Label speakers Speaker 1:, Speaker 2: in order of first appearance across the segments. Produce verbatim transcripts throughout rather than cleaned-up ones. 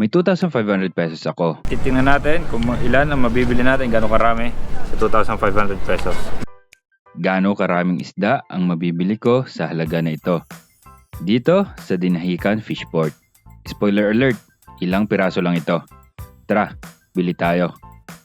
Speaker 1: May two thousand five hundred pesos ako. Titingnan natin kung ilan ang mabibili natin, gaano karami sa two thousand five hundred pesos. Gaano karaming isda ang mabibili ko sa halaga na ito. Dito sa Dinahican Fishport. Spoiler alert, ilang piraso lang ito. Tara, bili tayo.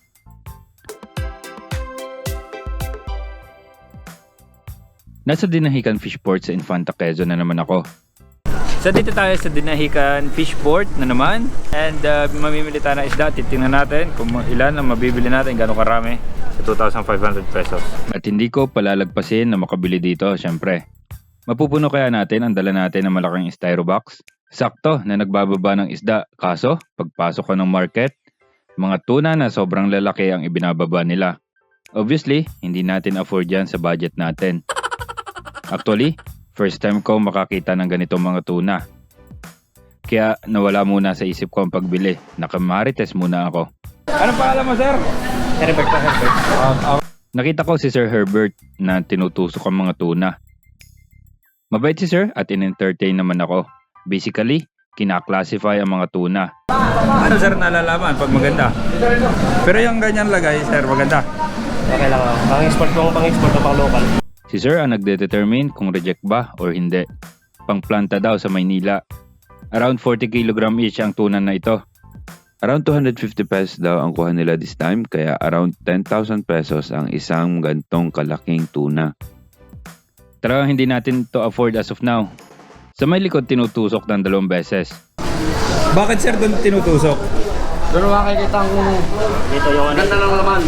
Speaker 1: Nasa Dinahican Fishport sa Infanta Quezon na naman ako. So dito tayo sa Dinahican Fishport na naman. And uh, mamimili tayo ng isda. Titingnan natin kung ilan ang mabibili natin, gaano karami sa two thousand five hundred pesos. At hindi ko palalagpasin na makabili dito, syempre. Mapupuno kaya natin ang dala natin ng malaking styro box? Sakto na nagbababa ng isda. Kaso, pagpasok ko ng market, mga tuna na sobrang lalaki ang ibinababa nila. Obviously, hindi natin afford yan sa budget natin. Actually, first time ko makakita ng ganitong mga tuna. Kaya nawala muna sa isip ko ang pagbili. Nakamarites muna ako. Anong pangalan mo, sir?
Speaker 2: Herbert pa, Herbert.
Speaker 1: Um, uh, nakita ko si Sir Herbert na tinutusok ang mga tuna. Mabait si sir at in-entertain naman ako. Basically, kina-classify ang mga tuna. Ano sir nalalaman pag maganda? Pero yung ganyan lagay, sir, maganda.
Speaker 2: Okay lang ako. Pang-export mo, pang-export o pang-local.
Speaker 1: Si sir ang nagde-determine kung reject ba or hindi. Pangplanta daw sa Maynila. Around forty kilogram each ang tuna na ito.
Speaker 3: Around two hundred fifty pesos daw ang kuha nila this time, kaya around ten thousand pesos ang isang gantong kalaking tuna.
Speaker 1: Tara, hindi natin to afford as of now. Sa may likod tinutusok ng dalawang beses. Bakit sir doon tinutusok?
Speaker 2: Doon makikita ang dito yung ano. Ganda ng laman.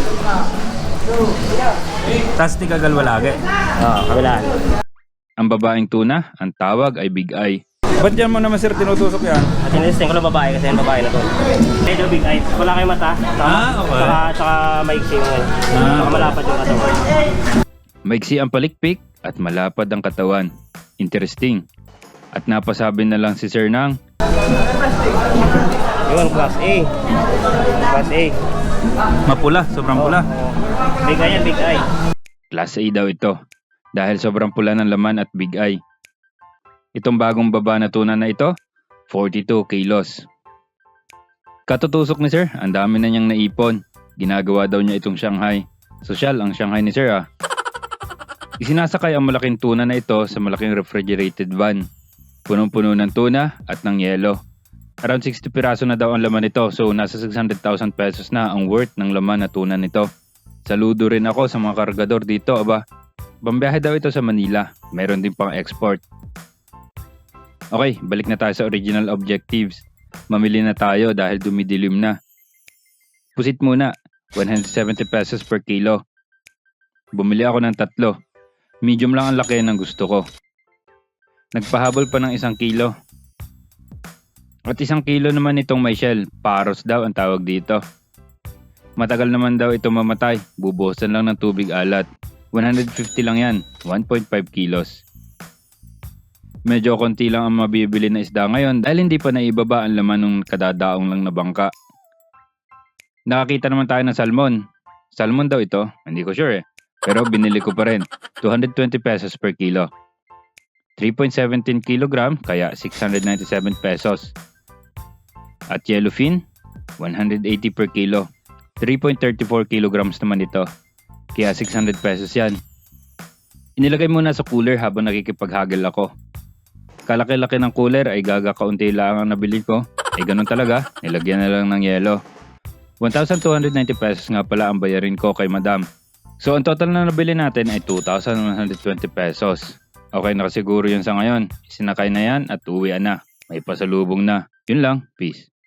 Speaker 1: Tas ni kagalwa lagi.
Speaker 2: Oo, kabilaan.
Speaker 1: Ang babaeng tuna, ang tawag ay big eye. Ba't yan mo naman sir tinutusok yan?
Speaker 2: At inisting ko lang babae kasi yung babae na to. Medyo big eyes. Wala kayong mata. Saka,
Speaker 1: Ah, okay.
Speaker 2: Saka, saka maiksi yung ano.
Speaker 1: Ah,
Speaker 2: Saka malapad yung katawan.
Speaker 1: Maiksi ang palikpik at malapad ang katawan. Interesting. At napasabi na lang si sir ng
Speaker 2: Yun, class A. Class A.
Speaker 1: mapula, sobrang pula.
Speaker 2: Oo. Big eye yan, big eye.
Speaker 1: Class A daw ito. Dahil sobrang pula ng laman at big eye. Itong bagong baba na tuna na ito, forty-two kilos. Katutusok ni sir, ang dami na niyang naipon. Ginagawa daw niya itong Shanghai. Sosyal ang Shanghai ni sir ah. Isinasakay ang malaking tuna na ito sa malaking refrigerated van. Punong-puno ng tuna at ng yelo. Around sixty piraso na daw ang laman nito, so nasa six hundred thousand pesos na ang worth ng laman na tuna nito. Saludo rin ako sa mga kargador dito, aba. Bambiyahe daw ito sa Manila, meron din pang export. Okay, balik na tayo sa original objectives. Mamili na tayo dahil dumidilim na. Pusit muna, one hundred seventy pesos per kilo. Bumili ako ng tatlo. Medium lang ang laki ng gusto ko. Nagpahabol pa ng isang kilo. At isang kilo naman itong may shell, paros daw ang tawag dito. Matagal naman daw ito mamatay, bubuhusan lang ng tubig alat. one hundred fifty lang yan, one point five kilos. Medyo konti lang ang mabibili na isda ngayon dahil hindi pa naibaba ang laman ng kadadaong lang na bangka. Nakakita naman tayo ng salmon. Salmon daw ito, hindi ko sure eh. Pero binili ko pa rin, two hundred twenty pesos per kilo. three point one seven kilogram, kaya six hundred ninety-seven pesos. At yellowfin, one hundred eighty per kilo. three point three four kilograms naman ito, kaya six hundred pesos yan. Inilagay muna sa cooler habang nakikipaghagel ako. Kalaki-laki ng cooler ay gagakaunti lang ang nabili ko. Eh ganun talaga, nilagyan na lang ng yelo. one thousand two hundred ninety pesos nga pala ang bayarin ko kay madam. So ang total na nabili natin ay two thousand one hundred twenty pesos. Okay, nakasiguro yun sa ngayon. Sinakay na yan at uwian na. May pasalubong na. Yun lang. Peace.